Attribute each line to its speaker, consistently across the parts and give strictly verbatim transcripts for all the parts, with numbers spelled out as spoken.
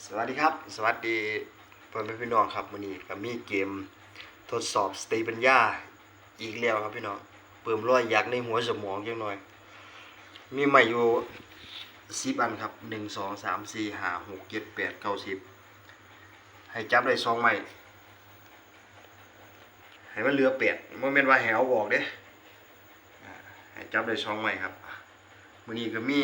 Speaker 1: สวัสดีครับสวัสดีเพื่อนพี่น้องครับวันนี้ก็มีเกมทดสอบสติปัญญาอีกแล้วครับพี่น้องเพิ่มรอยยักษ์ในหัวสมองจังหน่อยมีใหม่อยู่สิบอันครับหนึ่งสองสามสี่ห้าหกเจ็ดแปดเก้าสิบให้จับได้สองใหม่ให้มันเหลือแปดโมเมนต์ว่าแหวออกเด้ให้จับได้สองใหม่ครับวันนี้ก็มี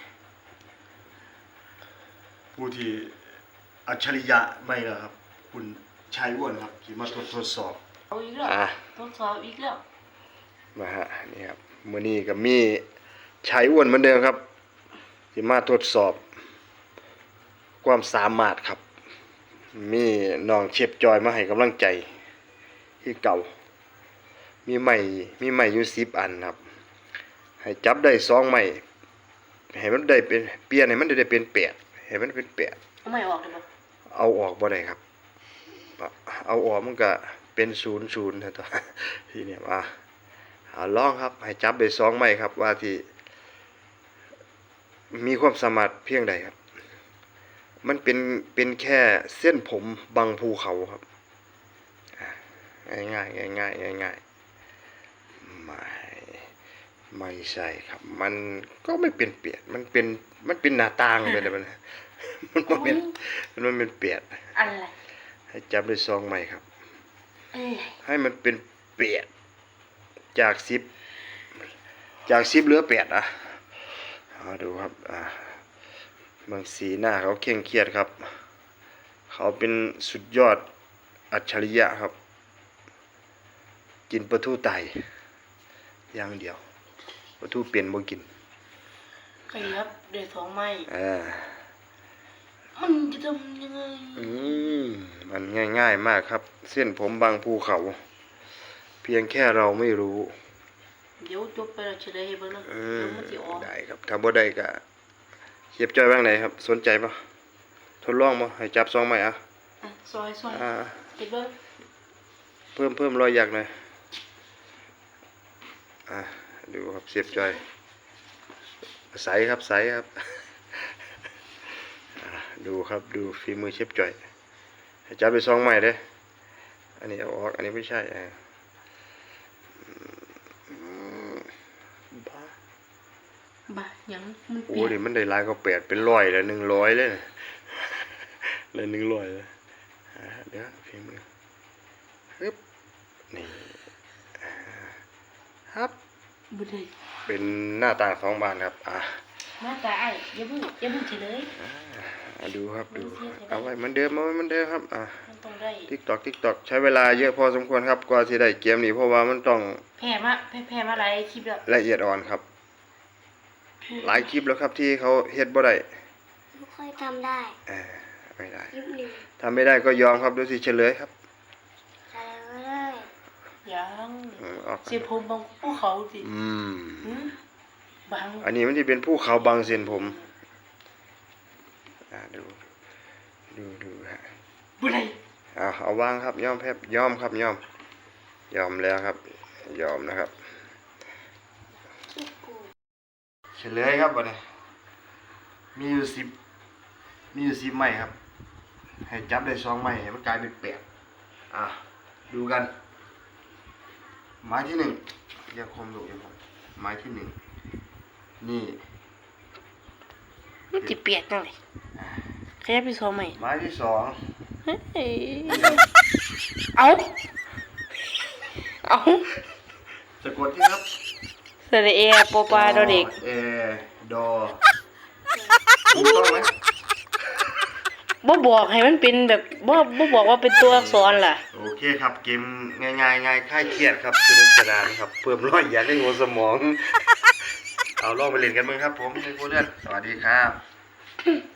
Speaker 1: ผู้ที่อัจฉริยะไม่ละครับคุณชายอ้วนครับที่มาทดทดสอบ
Speaker 2: เอาอีกแล้วทดสอบอีกแล้ว
Speaker 1: มาฮะนี่ครับมื้อนี้ก็มีชายอ้วนเหมือนเดิมครับที่มาทดสอบความสามารถครับมีน้องเชฟจอยมาให้กำลังใจที่เก่ามีใหม่มีใหม่อยู่สิบอันครับให้จับได้สองใหม่ให้มันได้เป็นเปลี่ยนให้มันได้เป็นแปดให้มันเป็นแปด
Speaker 2: เอาใหม่ออกได้บ่
Speaker 1: เอาออกบ่ได้ครับเอาออกมันก็เป็นศูนย์ศูนย์นะตัวทีนี้มาเอาลองครับให้จับได้สองใหม่ครับว่าที่มีความสามารถเพียงใดครับมันเป็นเป็นแค่เส้นผมบังภูเขาครับง่ายง่ายง่ายง่ายง่ายง่ายไม่ไม่ใช่ครับมันก็ไม่เป็นเปียกมันเป็นมันเป็นหน้าต่างไปเลยมันมันเป็นมันเป็นเปียก
Speaker 2: อะไร
Speaker 1: ให้จับด้วยซองใหม่ครับให้มันเป็นเปียกจากสิบจากสิบเหลือแปดอ่ะเอาดูครับอ่าบางสีหน้าเขาเคร่งเครียดครับเขาเป็นสุดยอดอัจฉริยะครับกินปลาทูไตอย่างเดียวปลาทูเปลี่ยนบ่กิน
Speaker 2: ใครครับเดี๋ยวสองไม้
Speaker 1: อ่า
Speaker 2: มันจะทำยังไง
Speaker 1: อืมมันง่ายๆมากครับเส้นผมบางภูเขาเพียงแค่เราไม่รู้
Speaker 2: เดี๋ยวจบไปแล้วเฉลยให้เบิ่งนะ
Speaker 1: เดี๋ยวมันสิออกได้ครับถ้าบ่ได้ก็เก็บจอยบ้างไหนครับสนใจป่ะทดลองป่ะให้จับซองใหม่อ่ะ
Speaker 2: อ่ะซอยซอยอ่าเก็บเบิ่ง
Speaker 1: เพิ่มเพิ่มรอยหยักหน่อยอ่ะดูครับเสียบจอยใสครับใสครับดูครับดูฝีมือเชฟจอยให้จับไปซองใหม่เด้อันนี้เอาออกอันนี้ไม่ใช่บ้า
Speaker 2: บ้ายังมัน
Speaker 1: โอ้ดิมันได้หลายก็แปดเป็นร้อยแล้วหนึ่งร้อยเลยเลยหนึ่งร้อยเลยเดี๋ยวฝีมือฮึบนี่ครับ
Speaker 2: บุได้
Speaker 1: เป็นหน้าตาของบ้านครับอ่ะ
Speaker 2: หน้าตาไอ้อย่าพูดอย่าพูดเฉย
Speaker 1: ดูครับดูเอาไว้เหมือนเดิมเอาไว้เหมือนเดิมครับอ่ะติ๊กตอกติ๊กตอกใช้เวลาเยอะพอสมควรครับกว่าที่ได้เกมนี้เพราะว่ามันต้อง
Speaker 2: แพ้มาแพ้แพ้มาหลายคลิปแล้ว
Speaker 1: ละเอียดอ่อนครับหลายคลิปแล้วครับที่เขาเฮ็ดบ่ได้
Speaker 3: ไม่ค่อยทำได้
Speaker 1: เออไม่ได้ทำไม่ได้ก็ยอมครับดูสิเฉลยครับ
Speaker 3: เฉลยเลย
Speaker 2: ยังเส้นผมบางภูเขาสิ
Speaker 1: อืม
Speaker 2: บาง
Speaker 1: อันนี้มันที่เป็นภูเขาบางเส้นผมอ่าดูดูดูฮะ
Speaker 2: บุได้
Speaker 1: เอาเอาวางครับยอมแพบยอมครับยอมยอมแล้วครับยอมนะครับเฉลยครับวันนี้มีอยู่สิบมีอยู่สิบไม้ครับให้จับได้สองไม้ให้มันกลายเป็นแปดอ่ะดูกันไม้ที่หนึ่งอย่าคมดูอย่าคมไม้ที่หนึ่งนี่
Speaker 2: มันจะเปียกจังเลยขยับไปสองไม้
Speaker 1: ไม้ที่สอง
Speaker 2: เอาเอา
Speaker 1: สะกดที่ครับ
Speaker 2: สระเอโปปาดอเด็ก
Speaker 1: เอดอถูกต้องไหม
Speaker 2: บ่บอกให้มันเป็นแบบบ่บ่บอกว่าเป็นตัวอักษรล่ะ
Speaker 1: โอเคครับเกมง่ายๆง่ายคลายเครียดครับสนุกสนานครับเพิ่มรอยหยักให้หัวสมองเอาลองไปเล่นกันมั้งครับผมในโคเรียนสวัสดีครับ